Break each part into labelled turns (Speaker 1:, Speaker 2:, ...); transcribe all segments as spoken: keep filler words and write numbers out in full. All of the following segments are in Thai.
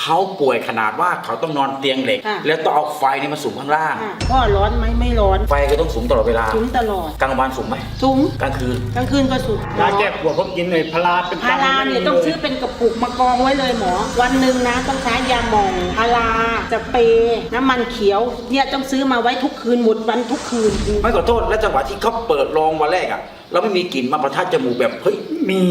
Speaker 1: เขาป่วยขนาดว่าเขาต้องนอนเตียงเหล็กแล้วต้องเอาไฟนี่มาสูงข้างล่าง
Speaker 2: พ่อร้อนไหมไม่ร้อน
Speaker 1: ไฟก็ต้องสูงตลอดเวลา
Speaker 2: สูงตลอด
Speaker 1: กลางวันสูงไหม
Speaker 2: สูง
Speaker 1: กลางคืน
Speaker 2: กลางคืนก็สูง
Speaker 3: ยาแก้ปวดผมกินเลยพาราเป็น
Speaker 2: พาราเนี่ยต้องซื้อเป็นกระปุกมากองไว้เลยหมอวันหนึ่งนะต้องใช้ยาหม่องพาราจะเปน้ำมันเขียวเนี่ยต้องซื้อมาไว้ทุกคืนหมดวันทุกคืน
Speaker 1: ไม่ขอโทษและจังหวะที่เขาเปิดรองวันแรกอ่ะเราไม่มีกลิ่นมาประทัดจมูกแบบเฮ้ย
Speaker 3: มี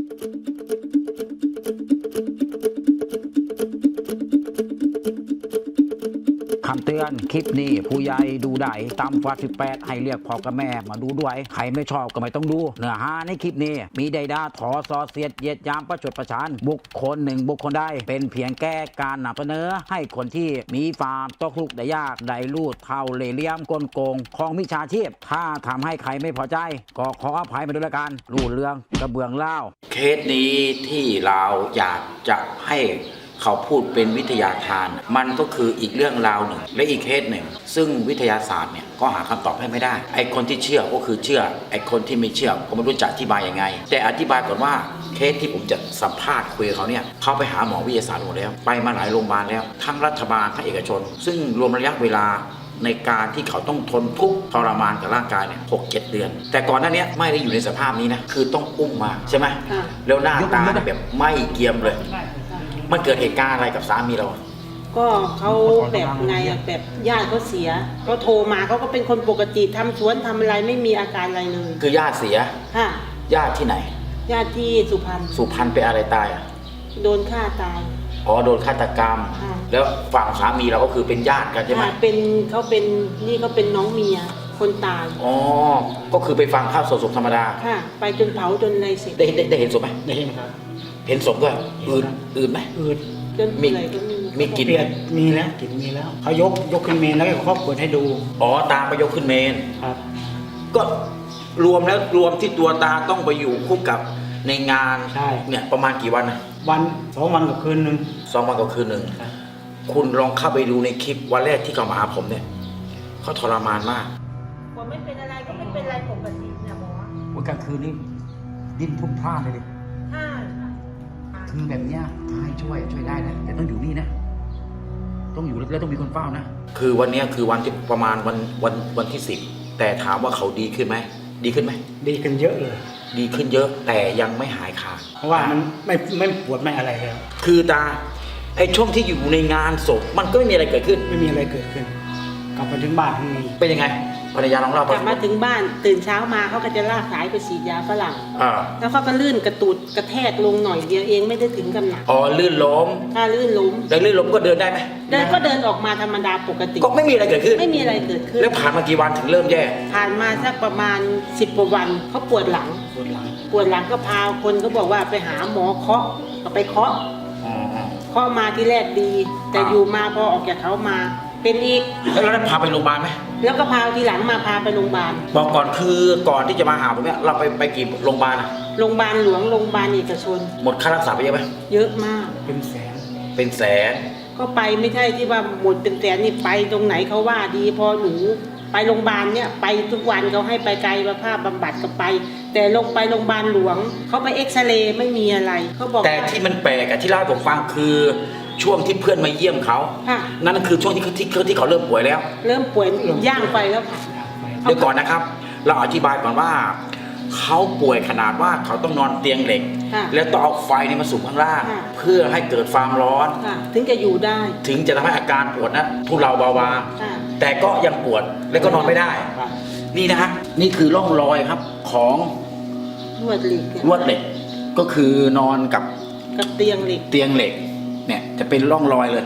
Speaker 4: คำเตือนคลิปนี้ผู้ใหญ่ดูได้ตามฟาสิบแปดให้เรียกพ่อกับแม่มาดูด้วยใครไม่ชอบก็ไม่ต้องดูเนื้อหาในคลิปนี้มีใดดาถอซอเสียดเยียดยามประชดประชันบุคคลหนึ่งบุคคลใดเป็นเพียงแก้การนำเสนอให้คนที่มีฟาร์มตกลุกได้ยากได้ลูดเท่าเล่ห์เหลี่ยมกลโกงของมิจฉาชีพถ้าทำให้ใครไม่พอใจก็ขออภัยมาด้วยละกันรูดเรื่องกระเบื้องเล่า
Speaker 1: เคสนี้ที่เราอยากจะให้เขาพูดเป็นวิทยาทานมันก็คืออีกเรื่องราวหนึ่งและอีกเคสหนึ่งซึ่งวิทยาศาสตร์เนี่ยก็หาคำตอบให้ไม่ได้ไอคนที่เชื่อก็คือเชื่อไอคนที่ไม่เชื่อก็ไม่รู้จะอธิบายยังไงแต่อธิบายก่อนว่าเคสที่ผมจะสัมภาษณ์คุยกับเขาเนี่ยเขาไปหาหมอวิทยาศาสตร์หมดแล้วไปมาหลายโรงพยาบาลแล้วทั้งรัฐบาลทั้งเอกชนซึ่งรวมระยะเวลาในการที่เขาต้องทนทุกข์ทรมานกับร่างกายเนี่ยหกเจ็ดเดือนแต่ก่อนหน้านี้ไม่ได้อยู่ในสภาพนี้นะคือต้องอุ้มมาใช่ไหมแล้วหน้าตาแบบไม่เกียมเลยมันเกิดเหตุการณ์อะไรกับสามีเรา
Speaker 2: ก็เขาแบบไงอะแบบญาติเขาเสียเขาโทรมาเขาก็เป็นคนปกติทำสวนทำอะไรไม่มีอาการอะไรเลย
Speaker 1: คือญาติเสีย
Speaker 2: ค่ะ
Speaker 1: ญาติที่ไหน
Speaker 2: ญาติที่สุพรรณ
Speaker 1: สุพรรณไปอะไรตายอ่ะ
Speaker 2: โดนฆ่าตาย
Speaker 1: อ๋อโดนฆาตกรรมแล้วฝั่งสามีเราก็คือเป็นญาติกันใช่ไหม
Speaker 2: เป็นเขาเป็นนี่เขาเป็นน้องเมียคนตาย
Speaker 1: อ๋อก็คือไปฟังข้าวศพธรรมดา
Speaker 2: ค่ะไปจนเผาจนอะไรเสร็จ
Speaker 1: ได้ได้ได้เห็นศพไหม
Speaker 3: ได้เห็นครับ
Speaker 1: เห็นศพด้วยอืดอืดไหม
Speaker 3: อืด
Speaker 2: จนมี
Speaker 1: มีกลิ่น
Speaker 3: มีแล้วกลิ่นมีแล้วเขายกยกขึ้นเมนแล้วก็เขาเปิดให้ดู
Speaker 1: อ๋อตาไปยกขึ้นเมน
Speaker 3: ครับ
Speaker 1: ก็รวมแล้วรวมที่ตัวตาต้องไปอยู่คู่กับในงาน
Speaker 3: ใช่
Speaker 1: เนี่ยประมาณกี่วันนะ
Speaker 3: วันสองวันกับคืนหนึ่ง
Speaker 1: สองวันกับคืนหนึ่งคุณลองเข้าไปดูในคลิปวันแรกที่เขามาหาผมเนี่ยเขาทรมานมาก
Speaker 2: ผมไม่เป็นอะไรก็ไม่เป็นไรปกตินะหมอ
Speaker 4: วันกลางคืนนี่ดิ้นพุ่งพลาดเลยดิคือแบบเนี้ยให้ช่วยช่วยได้นะแต่ต้องอยู่นี่นะต้องอยู่แล้วต้องมีคนเฝ้านะ
Speaker 1: คือวันนี้คือวันที่ประมาณวันวันวันที่สิบแต่ถามว่าเขาดีขึ้นไหมดีขึ้นไหม
Speaker 3: ดีขึ้นเยอะเลย
Speaker 1: ดีขึ้นเยอะแต่ยังไม่หายขาด
Speaker 3: เพราะว่ามันไม่ไม่ปวดไม่อะไรแล้ว
Speaker 1: คือตาไอ้ช่วงที่อยู่ในงานศพมันก็ไม่มีอะไรเกิดขึ้น
Speaker 3: ไม่มีอะไรเกิดขึ้นกลับมาถึงบ้านทำไง
Speaker 1: เป็นยังไงภรรยาของเรา
Speaker 2: กลับมาถึงบ้านตื่นเช้ามาเขาก็จะลากสายไปฉีดยาฝรั่งแล้วเขาก็ลื่นกระตุดกระแทกลงหน่อยเดียวเองไม่ได้ถึงกับหนัก
Speaker 1: อ๋อลื่นล้ม
Speaker 2: ถ้าลื่นล้ม
Speaker 1: แล้วลื่นล้มก็เดินได้ไหม
Speaker 2: เดินก็เดินออกมาธรรมดาปกติ
Speaker 1: ก็ไม่มีอะไรเกิดขึ้น
Speaker 2: ไม่มีอะไรเกิดขึ้น
Speaker 1: แล้วผ่านมากี่วันถึงเริ่มแย่
Speaker 2: ผ่านมาสักประมาณสิบกว่าวันเขาปวดหลัง
Speaker 3: ปวดหลัง
Speaker 2: ปวดหลังก็พาคนก็บอกว่าไปหาหมอเคาะก็ไปเคาะเคาะมาที่แรกดีแต่อยู่มาพอออกจากเขามาเป็นอีก
Speaker 1: แล้วเราได้พาไปโรงพยาบาลไหม
Speaker 2: แล้วก็พาทีหลังมาพาไปโรงพยาบาล
Speaker 1: บอกก่อนคือก่อนที่จะมาหาผมเนี่ยเราไปไปกี่โรงพยาบาลอะ
Speaker 2: โรงพยาบาลหลวงโรงพยาบาลเอกชน
Speaker 1: หมดค่ารักษาไปเยอะไหม
Speaker 2: เยอะมาก
Speaker 3: เป็นแสน
Speaker 1: เป็นแสน
Speaker 2: ก็ไปไม่ใช่ที่ว่าหมดเป็นแสนนี่ไปตรงไหนเขาว่าดีพอหนูไปโรงพยาบาลเนี่ยไปทุกวันเขาให้ไปกายภาพบำบัดก็ไปแต่ลงไปโรงพยาบาลหลวงเขาไปเอ็กซเรย์ไม่มีอะไรเขาบอก
Speaker 1: แต่ที่มันแปลกอะที่เล่าให้ผมฟังคือช่วงที่เพื่อนมาเยี่ยมเขานั่นคือช่วงที่ที่ที่เขาเริ่มป่วยแล้ว
Speaker 2: เริ่มป่วยย่างไปแล้วค่ะ
Speaker 1: เดี๋ยวก่อนนะครับเราอธิบายก่อนว่าเขาป่วยขนาดว่าเขาต้องนอนเตียงเหล็กแล้วต้องเอาไฟนี่มาสูงข้างล่างเพื่อให้เกิดความร้อน
Speaker 2: ถึงจะอยู่ได้
Speaker 1: ถึงจะทำให้อาการปวดนะทุเลาเบาบางแต่ก็ยังปวดและก็นอนไม่ได้นี่นะฮะนี่คือร่องรอยครับของ
Speaker 2: ลวดเหล็ก
Speaker 1: ลวดเหล็กก็คือนอนกับ
Speaker 2: กับเตียงเหล็ก
Speaker 1: เตียงเหล็กเนี่ยจะเป็นร่องรอยเลย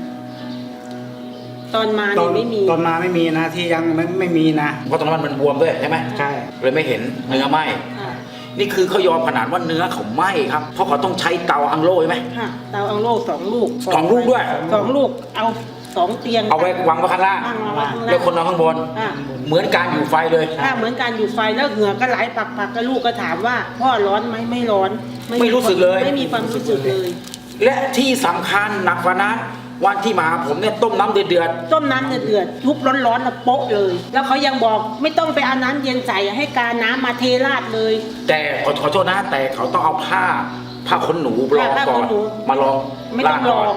Speaker 2: ตอนมาเนี่ยไม่มี
Speaker 3: ตอนมาไม่มีนะที่ยังไม่ไม่มีนะ
Speaker 1: เพราะตอนนั้นมันบวมด้วยใช่ไหม
Speaker 3: ใช่
Speaker 1: เลยไม่เห็นเนื้อไหมนี่คือเขายอมขนาดว่าเนื้อเขาไหม้ครับเพราะเขาต้องใช้เตาอังโล่ใช่ไหม
Speaker 2: ค่ะเตาอังโล่สองลูก
Speaker 1: สองลูกด้วย
Speaker 2: สองลูกเอาสองเตียง
Speaker 1: เอาไว้วางไว้ข้างล่างแล้วคนนอนข้างบนเหมือนการอยู่ไฟเลย
Speaker 2: ค่ะเหมือนการอยู่ไฟแล้วเหงื่อก็ไหลปักปักก็ลูกก็ถามว่าพ่อร้อนไหมไม่ร้อน
Speaker 1: ไม่รู้สึกเลย
Speaker 2: ไม่มีความรู้สึกเลย
Speaker 1: และที่สำคัญหนักกว่านั้นวันที่มาผมเนี่ยต้มน้ำเดือด
Speaker 2: ต้มน้ำเดือดทุบร้อนๆแล้วโป๊ะเลยแล้วเขายังบอกไม่ต้องไปเอาน้ำเย็นใส่ให้กาน้ำมาเทราดเลย
Speaker 1: แต่ขอขอโทษนะแต่เขาต้องเอาผ้าผ้าขนหนูรองก่อนมาลอง
Speaker 2: ไม่ต้องลอง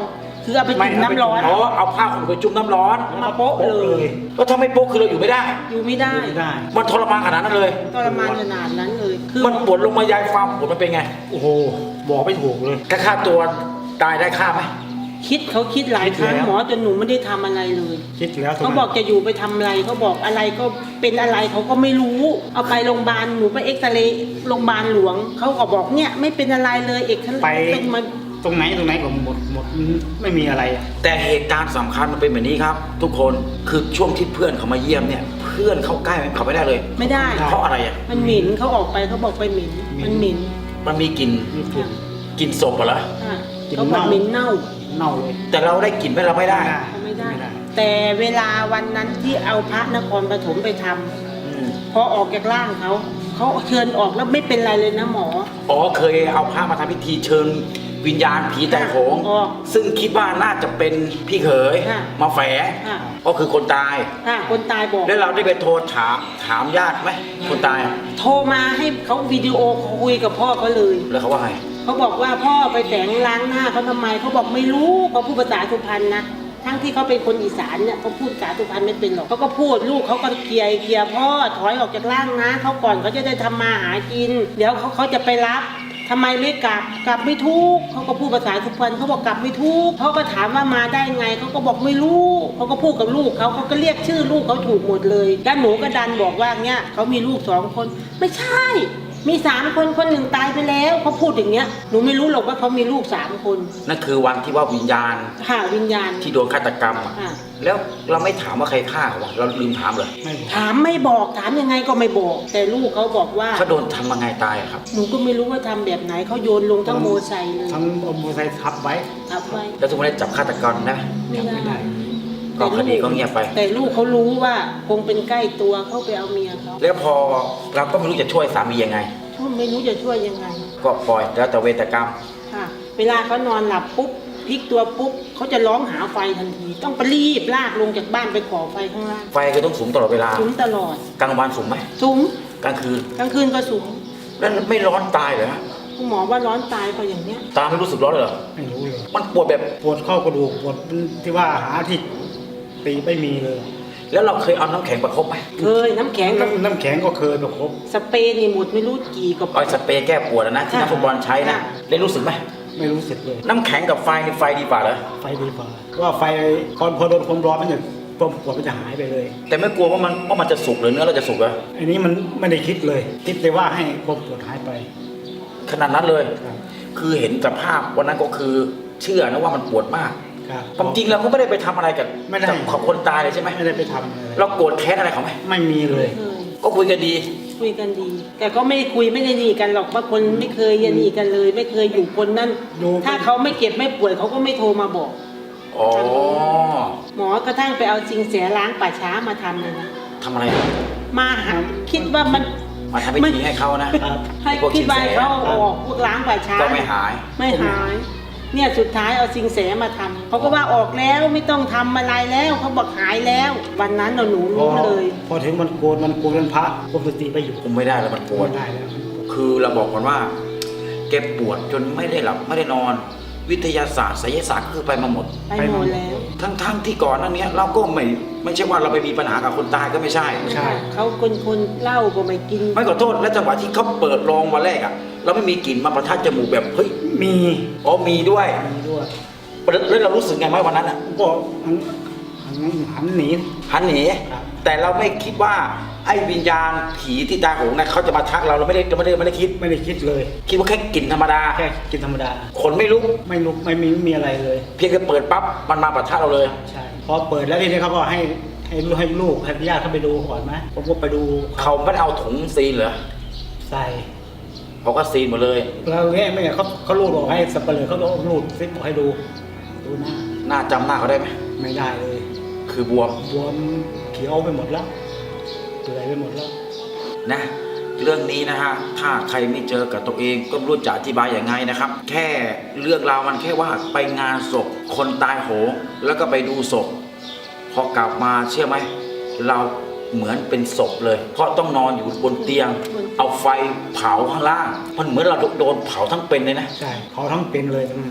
Speaker 2: คือเอาไปจุ่มน้ำร้อน
Speaker 1: อ๋อเอาผ้าห่มไปจุ่มน้ำร้อน
Speaker 2: มาโป๊ะเลย
Speaker 1: แล้วถ้าไม่โป๊ะคือเราอยู่ไม่ได้
Speaker 2: อยู่ไม่ได้
Speaker 3: ไม่ได้
Speaker 1: มันทรมานขนาดนั้นเลย
Speaker 2: ทรมานขนาดนั้นเลยคือ
Speaker 1: มันปวดลงมายายความปวดมันเป็นไง
Speaker 3: โอ้โหบอกไม่ถูกเลย
Speaker 1: ค่าค่าตัวตายได้ค่าไหม
Speaker 2: คิดเขาคิดหลายครั้ง
Speaker 3: คิดแล้ว
Speaker 2: หมอจนหนูไม่ได้ทำอะไรเลย
Speaker 3: คิดแล้ว
Speaker 2: เขาบอกจะอยู่ไปทำอะไรเขาบอกอะไรก็เป็นอะไรเขาก็ไม่รู้ เอาไปโรงพยาบาลหนูไปเอ็กซเรย์โรงพยาบาลหลวงเขาก็บอกเนี่ยไม่เป็นอะไรเลยเอกซเรย์
Speaker 3: ไป
Speaker 2: เป็นมัน
Speaker 3: ตรงไหนตรงไหนก็หมดหมดไม่มีอะไรอะ
Speaker 1: แต่เหตุการณ์สำคัญมันเป็นแบบนี้ครับ ทุกคนคือช่วงที่เพื่อนเขามาเยี่ยมเนี่ย เพื่อนเข้าใกล้เขาไม่ได้เลย
Speaker 2: ไม่ได้
Speaker 1: เพราะอะไรอ่ะ
Speaker 2: มันเหม็นเขาออกไปเขาบอกไปเหม็นมันเหม็น
Speaker 1: มันมีกลิ่น
Speaker 3: มีกลิ่น
Speaker 1: กลิ่นศพเหรอ
Speaker 2: อ่ะ
Speaker 3: กลิ่น
Speaker 2: เขาบอก
Speaker 3: เน่า
Speaker 2: เหม็นเน่า
Speaker 3: เน่าเลย
Speaker 1: แต่เราได้กลิ่นไหมเราไม่ได้
Speaker 2: เขาไม่ได้
Speaker 3: ไม่ได้
Speaker 2: แต่เวลาวันนั้นที่เอาพระนครปฐมไปทำ
Speaker 1: อืม
Speaker 2: พอออกจากร่างเขาเขาเชิญออกแล้วไม่เป็นไรเลยนะหมอ
Speaker 1: อ๋อเคยเอาพระมาทำพิธีเชิญวิญญาณผีแต่โหง
Speaker 2: อ๋อ
Speaker 1: ซึ่งคิดว่าน่าจะเป็นพี่เขย
Speaker 2: ค่ะ
Speaker 1: มาแฝง
Speaker 2: ค่ะ
Speaker 1: ก็คือคนตาย
Speaker 2: อ่ะคนตายบอก
Speaker 1: แล้วเราได้ไปโทรถามถามญาติไหมคนตาย
Speaker 2: โทรมาให้เขาวิดีโอคุยกับพ่อเขาเลย
Speaker 1: แล้วเขาว่าไง
Speaker 2: เขาบอกว่าพ่อไปแต่งล้างหน้าเขาทำไมเขาบอกไม่รู้เขาพูดภาษาสุพรรณนะทั้งที่เขาเป็นคนอีสานเนี่ยเขาพูดภาษาสุพรรณไม่เป็นหรอกเขาก็พูดลูกเขาก็เกลียเกลียพ่อถอยออกจากร่างนะเขาก่อนเขาจะได้ทำมาหากิน เดี๋ยวเขาเขาจะไปรับทำไมไม่กลับกลับไม่ถูกเขาก็พูดภาษาสุพรรณเขาบอกกลับไม่ถูกเขาก็ถามว่ามาได้ไงเขาก็บอกไม่รู้เขาก็พูดกับลูกเขาเขาก็เรียกชื่อลูกเขาถูกหมดเลยด้านหนูก็ดันบอกว่าเนี่ยเขามีลูกสองคนไม่ใช่ มีสามคนคนหนึ่งตายไปแล้วเขาพูดอย่างเงี้ยหนูไม่รู้หรอกว่าเขามีลูกสามคน
Speaker 1: นั่นคือวันที่ว่าวิญญาณ
Speaker 2: ค่ะวิญญาณ
Speaker 1: ที่โดนฆาตกรรมอะ
Speaker 2: ค่ะ
Speaker 1: แล้วเราไม่ถามว่าใครฆ่าเขาวะเราลืมถามเลย
Speaker 3: ไม่บอก
Speaker 2: ถามไม่บอกถามยังไงก็ไม่บอก แต่ลูกเขาบอกว่า
Speaker 1: เขาโดนทำยังไงตายอะครับ
Speaker 2: หนูก็ไม่รู้ว่าทำแบบไหนเขาโยนลงทั้งโมไซค์เลย
Speaker 3: ทั้งเอามอเตอร์ไซค์ทับไว้
Speaker 2: ทับไว้
Speaker 1: แล้วทุกวันนี้จับฆาตกรได้ไหม
Speaker 2: ไม่
Speaker 3: จับไม่
Speaker 2: ได้
Speaker 3: ได้
Speaker 1: ก็คดีก็เงียบไป
Speaker 2: แต่ลูกเขารู้ว่าคงเป็นใกล้ตัวเขาไปเอาเมียเขา
Speaker 1: แล้วพอเราก็ไม่รู้จะช่วยสามียังไง
Speaker 2: เขาไม่รู้จะช่วยยังไง
Speaker 1: ก็ปล่อยแล้วแต่เวรกรรม
Speaker 2: ค่ะ เวลาเขานอนหลับปุ๊บพลิกตัวปุ๊บเขาจะร้องหาไฟทันที ต้องไปรีบลากลงจากบ้านไปก่อไฟข้างล่าง
Speaker 1: ไฟก็ต้องสูงตลอดเวลา
Speaker 2: สูงตลอด
Speaker 1: กลางวันสูงไหม
Speaker 2: สูง
Speaker 1: กลางคืน
Speaker 2: กลางคืนก็สูง
Speaker 1: แล้วไม่ร้อนตายเหรอ
Speaker 2: คุณหมอว่าร้อนตายเพราะอย่างเนี้ย
Speaker 1: ตาไม่รู้สึกร้อนเลยเหรอ
Speaker 3: ไม่รู้เลย
Speaker 1: มันปวดแบบ
Speaker 3: ปวดเข้ากระดูกปวดที่ว่าหาที่ตีไม่มีเลย
Speaker 1: แล้วเราเคยเอาน้ำแข็งประคบไหม
Speaker 2: เคยน้ำแข็งกับ
Speaker 3: น้ำน้ำแข็งก็เคยประคบ
Speaker 2: สเปรย์นี่หมดไม่รู้กี่กับ
Speaker 1: เอาสเปรย์แก้ปวดอะนะที่นักฟุตบอลใช้นะ
Speaker 2: ค่ะ
Speaker 1: ได้รู้สึกไหม
Speaker 3: ไม่รู้สึกเลย
Speaker 1: น้ำแข็งกับไฟนี่ไฟดีกว่าเหรอ
Speaker 3: ไฟดีกว่าว่าไฟพอพอโดนความร้อนมันจะความปวดมันจะหายไปเลย
Speaker 1: แต่ไม่กลัวว่ามันว่ามันจะสุกหรือเนื้อเราจะสุกเหรอ
Speaker 3: อันนี้มันไม่ได้คิดเลยคิดแต่ว่าให้ความปวดหายไป
Speaker 1: ขนาดนั้นเลย
Speaker 3: ครับ
Speaker 1: คือเห็นสภาพวันนั้นก็คือเชื่อนะว่ามันปวดมาก
Speaker 3: ครับ
Speaker 1: ความจริงเราก็ไม่ได้ไปทำอะไรกับ
Speaker 3: ไม่ได้
Speaker 1: กับคนตายเลยใช่ไหม
Speaker 3: ไม่ได้ไปทำอะไร
Speaker 1: เราโกรธแค้นอะไรเขาไหม
Speaker 3: ไม่มีเลย
Speaker 2: เคย
Speaker 1: ก็คุยกันดี
Speaker 2: คุยกันดี แต่ก็ไม่ได้คุยไม่ได้หนีกันหรอกบางคนไม่เคยยันหนีกันเลย ไม่เคยอยู่คนนั้น
Speaker 3: อยู่
Speaker 2: ถ้าเขาไม่เก็บไม่ป่วยเขาก็ไม่โทรมาบอก
Speaker 1: อ๋อ
Speaker 2: หมอกระทั่งไปเอาจริงเสียล้างป่าช้ามาทำเลยนะ
Speaker 1: ทำอะไรอะ
Speaker 2: มาหาคิดว่ามัน
Speaker 1: มาทำพิธีให้เขานะ
Speaker 3: ครับ
Speaker 2: ให้
Speaker 1: พวก
Speaker 2: คิดว่า
Speaker 1: สินแส
Speaker 2: เขาเอาออกพวกล้างป่าช้า
Speaker 1: ก็ไม่หาย
Speaker 2: ไม่หาย เนี่ยสุดท้ายเอาสิงแสมาทำเขาก็ว่าออกแล้วไม่ต้องทำอะไรแล้วเขาบอกหายแล้ว วันนั้นเราหนู
Speaker 3: พอ
Speaker 2: รู้เลย
Speaker 3: พอถึงมันโกนมันโกนวันพระคุมสติไปอยู่
Speaker 1: คุมไม่ได้แล้วมันปวด
Speaker 3: ไม่ได้แล้ว
Speaker 1: คือเราบอกก่อนว่าแกปวดจนไม่ได้หลับไม่ได้นอน วิทยาศาสตร์ไสยศาสตร์ก็คือไปมาหมด
Speaker 2: ไปหมดแล้ว
Speaker 1: ทั้งๆที่ก่อนหนั้นเนี้ยเราก็ไม่ไม่ใช่ว่าเราไปมีปัญหากับคนตายก็ไม่ใช่
Speaker 3: ใช่
Speaker 2: เขาคนคนเหล้าก็ไม่กิน
Speaker 1: ไม่ขอโทษและจังหวะที่เขาเปิดรองวันแรกอ่ะเราไม่มีกลิ่นมาประทัดจมูกแบบเฮ้ย
Speaker 3: มี
Speaker 1: อ๋อมีด้วย
Speaker 3: มีด้วย
Speaker 1: แล้วเรารู้สึกไงไหมวันนั้นอ่ะ
Speaker 3: ก็หันหันหันหนี
Speaker 1: หันหนี
Speaker 3: ครับ
Speaker 1: แต่เราไม่คิดว่าไอ้วิญญาณผีที่ตาโหงนะเขาจะมาทักเราเราไม่ได้เราไม่ได้ไม่ได้คิด
Speaker 3: ไม่ได้คิดเลย
Speaker 1: คิดว่าแค่กลิ่นธรรมดา
Speaker 3: แค่กินธรรมดา
Speaker 1: ขนไม่ลุก
Speaker 3: ไม่ลุกไม่มีไม่มีอะไรเลย
Speaker 1: เพียงแค่เปิดปั๊บมันมาประทัดเราเลย
Speaker 3: ใช่พอเปิดแล้วทีนี้เขาก็ให้ให้ลูกให้ลูกให้ญาติเข้าไปดูก่อนไหมผมก็ไปดู
Speaker 1: เขาไม่ได้เอาถุงซีนเหรอ
Speaker 3: ใส่
Speaker 1: เขาก็ซีนหมดเลย
Speaker 3: แล้วเงี้ยไม่งั้นเขาเขาลูดออกให้สับเปลือเขาเอาลูดซิปออกให้ดูดูหน้า
Speaker 1: หน้าจำหน้าเขาได้ไหม
Speaker 3: ไม่ได้เลย
Speaker 1: คือบวม
Speaker 3: บวมเขียวไปหมดแล้วเปื่อยไปหมดแล้ว
Speaker 1: นะเรื่องนี้นะฮะถ้าใครไม่เจอกับตัวเองก็ไม่รู้จะอธิบายอย่างไงนะครับ แค่เรื่องราวมันแค่ว่าไปงานศพคนตายโหงแล้วก็ไปดูศพพอกลับมาเชื่อไหมเราเหมือนเป็นศพเลย เพราะต้องนอนอยู่บนเตียง เอาไฟเผาข้างล่าง มันเหมือนเราโดนเผาทั้งเป็นเลยนะ
Speaker 3: ใช่เขาทั้งเป็นเลยอืม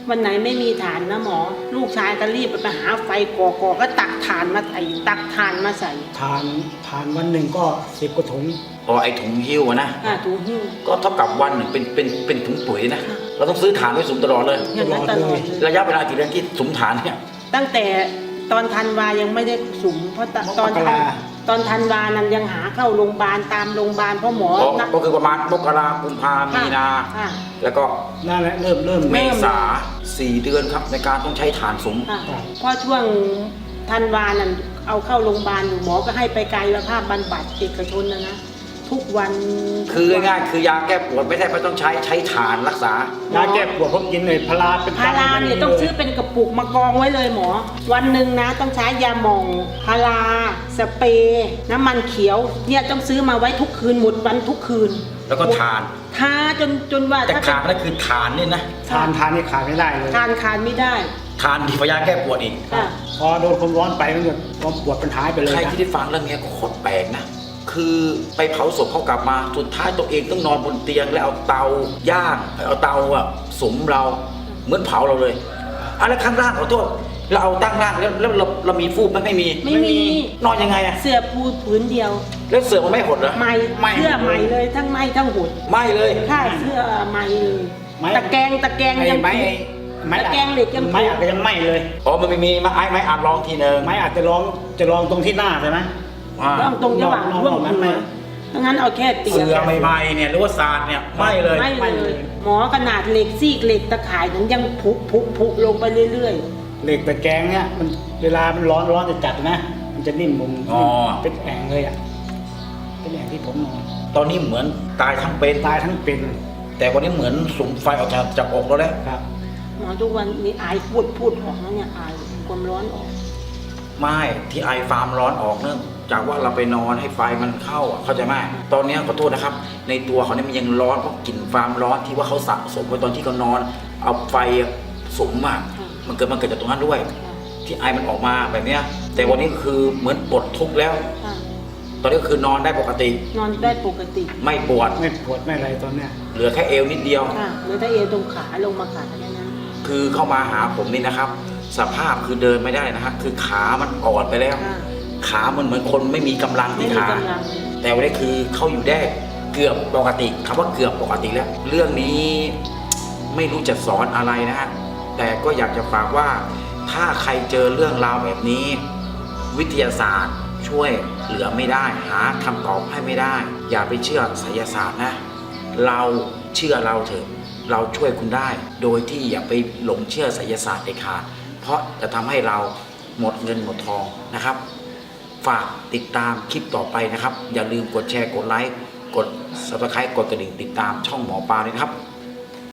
Speaker 2: วันไหนไม่มีฐานนะหมอ ลูกชายก็รีบไปหาไฟก่อก่อก็ตักถ่านมาใส่ตักถ่านมาใส่
Speaker 3: ทานทานวันหนึ่งก็สิบกว่าถุง
Speaker 1: พอไอ้ถุงหิ้วอะนะ
Speaker 2: อ่าถูหิ้ว
Speaker 1: ก็เท่ากับวันหนึ่งเป็นเป็นเป็นถุงปุ๋ยนะ
Speaker 2: ค่ะ
Speaker 1: เราต้องซื้อถ่านไว้สุมตลอดเลย
Speaker 2: อย่างนั้นตลอดเลย
Speaker 1: ระยะเวลากี่เดือนที่สุมถ่านเนี่ย
Speaker 2: ตั้งแต่ตอนธันวายังไม่ได้สุมเพราะตตอนธันตอนธันวานั้นยังหาเข้าโรงพยาบาลตามโรงพยาบาลเพราะหมอ
Speaker 1: อ๋อ
Speaker 2: นัด
Speaker 1: ก็คือประมาณมกรากุมภามีนา
Speaker 2: ค่ะ
Speaker 1: แล้วก็
Speaker 3: นั่นแหละเริ่มเริ่ม
Speaker 1: เมษาสี่เดือนครับในการต้องใช้ถ่านสุม
Speaker 2: ค่ะเพราะช่วงธันวานั้นเอาเข้าโรงพยาบาลอยู่หมอก็ให้ไปกายภาพบำบัดเอกชนนะนะทุกวัน
Speaker 1: คือง่ายๆคือยาแก้ปวดไม่ได้ไม่ต้องใช้ใช้ถ่านรักษา
Speaker 3: ยาแก้ปวดผมกินเลยพาราเป็น
Speaker 2: พาราเนี่ยต้องซื้อเป็นกระปุกมากองไว้เลยหมอ วันหนึ่งนะต้องใช้ยาหม่องพาราสเปรย์น้ำมันเขียวเนี่ยต้องซื้อมาไว้ทุกคืนหมดวันทุกคืน
Speaker 1: แล้วก็ทาน
Speaker 2: ทาจนจนว่า
Speaker 1: แต่
Speaker 2: ถ้า
Speaker 1: ขาดนั่นคือทานนี่นะ
Speaker 3: ทานทานนี่ขาดไม่ได้เลย
Speaker 2: ทานคานไม่ได้
Speaker 1: ทานดีกว่ายาแก้ปวดอีก
Speaker 2: ค่ะ
Speaker 3: พอโดนความร้อนไปมันก็ความปวดมันหายไปเลย
Speaker 1: ใคร
Speaker 3: นะ
Speaker 1: ที่ได้ฟังเรื่องนี้ก็โคตรแปลกนะ คือไปเผาศพเขากลับมา สุดท้ายตัวเองต้องนอนบนเตียงแล้วเอาเตาย่างเอาเตาอะสมเราเหมือนเผาเราเลยอะไรข้างล่างขอโทษเราเอาตั้งล่างแล้วแล้วเราเรามีฟูกไหมไม่มี
Speaker 2: ไม่มี
Speaker 1: นอนยังไงอะ
Speaker 2: เสื้อปูผืนเดียว
Speaker 1: แล้วเสือมันไม่หดเหรอ
Speaker 2: ไหม่เสื้อไหม่เลยทั้งไหม่ทั้งหุด
Speaker 1: ไม่เลย
Speaker 2: ค่าเสื้อไหม่เลย
Speaker 3: ไม้
Speaker 2: ตะแกรงตะแกรง
Speaker 3: ไอ้
Speaker 2: ยัง
Speaker 3: ไม้ไอ้ไม้
Speaker 2: ตะแกรงเหล็กยัง
Speaker 3: ไม้อาจจะยังไหม้เลย
Speaker 1: อ๋อมันไม่มีไม้ไม้อัดลองทีหนึ่ง
Speaker 3: ไม้อาจจะลองจะลองตรงที่หน้าใช่ไหม
Speaker 1: อ่า
Speaker 2: ต้องตรงระหว่าง
Speaker 3: นอก
Speaker 2: ร่วง
Speaker 3: นอกนั้น
Speaker 2: หั
Speaker 3: ไม่
Speaker 2: วดังนั้นเอาแค่เตีย
Speaker 1: เสื
Speaker 2: ง
Speaker 1: อใหม่ๆเนี่ยหรือว่าศาสตร์เนี่ยไม่เลย
Speaker 2: ไม่
Speaker 3: ไม่
Speaker 2: เล
Speaker 3: เลย ย
Speaker 2: หมอขนาดเหล็กซีกเหล็กตะข่ายนั้นยังผุผุผุลงไปเรื่อย
Speaker 3: เหล็กตะแกรงเนี่ยมันเวลามันร้อนร้อนจะจัดนะ มันจะนิ่มมุม
Speaker 1: อ๋อ
Speaker 3: เป็นแอ่งเลยอ่ะเป็นแอ่งที่ผมนอน
Speaker 1: ตอนนี้เหมือนตายทั้งเป็น
Speaker 3: ตายทั้งเป็น
Speaker 1: แต่วันนี้เหมือนสุมไฟออกจากจากอกแล้วแหละ
Speaker 3: ครับ
Speaker 2: ๆหมอทุกวันนี้อายพูดพูดออกนะเนี่ยอายความร้อนออก
Speaker 1: ไม่ที่ไอฟาร์มร้อนออกเนื่องจากว่าเราไปนอนให้ไฟมันเข้าอะเข้าใจไหมตอนนี้ขอโทษนะครับ ในตัวเขาเนี่ยมันยังร้อนเพราะกลิ่นฟาร์มร้อนที่ว่าเขาสะสมไว้ตอนที่เขานอน เอาไฟสุมอะมันเกิดมันเกิดจากตรงนั้นด้วย ที่ไอมันออกมาแบบเนี้ยแต่วันนี้คือเหมือนปลดทุกข์แล้ว
Speaker 2: ค่ะ
Speaker 1: ตอนนี้ก็คือนอนได้ปกติ
Speaker 2: นอนได้ปกติ
Speaker 1: ไม่ปวด
Speaker 3: ไม่ปวดไม่อะไรตอนเนี้ย
Speaker 1: เหลือแค่เอวนิดเดียว
Speaker 2: ค่ะเหลือแต่เอวตรงขาลงมาขาแค่นั้น
Speaker 1: คือเข้ามาหาผมนี่นะครับ สภาพคือเดินไม่ได้นะฮะคือขามันอ่อนไปแล้ว
Speaker 2: ค่ะ
Speaker 1: ขามันเหมือนคนไม่มีกำลัง
Speaker 2: ไม่
Speaker 1: ที่
Speaker 2: มี
Speaker 1: ขาก
Speaker 2: ำลัง
Speaker 1: แต่วันนี้คือเข้าอยู่ได้เกือบปกติคำว่าเกือบปกติแล้ว เรื่องนี้ไม่รู้จะสอนอะไรนะฮะแต่ก็อยากจะฝากว่าถ้าใครเจอเรื่องราวแบบนี้ วิทยาศาสตร์ช่วยเหลือไม่ได้หาคำตอบให้ไม่ได้ อย่าไปเชื่อไสยศาสตร์นะ เราเชื่อเราเถอะเราช่วยคุณได้ โดยที่อย่าไปหลงเชื่อไสยศาสตร์เด็ดขาดเพราะจะทำให้เราหมดเงินหมดทองนะครับ ฝากติดตามคลิปต่อไปนะครับ อย่าลืมกดแชร์กดไลค์กด ซับสไครบ์ กดกระดิ่งติดตามช่องหมอปลาด้วยนะครับ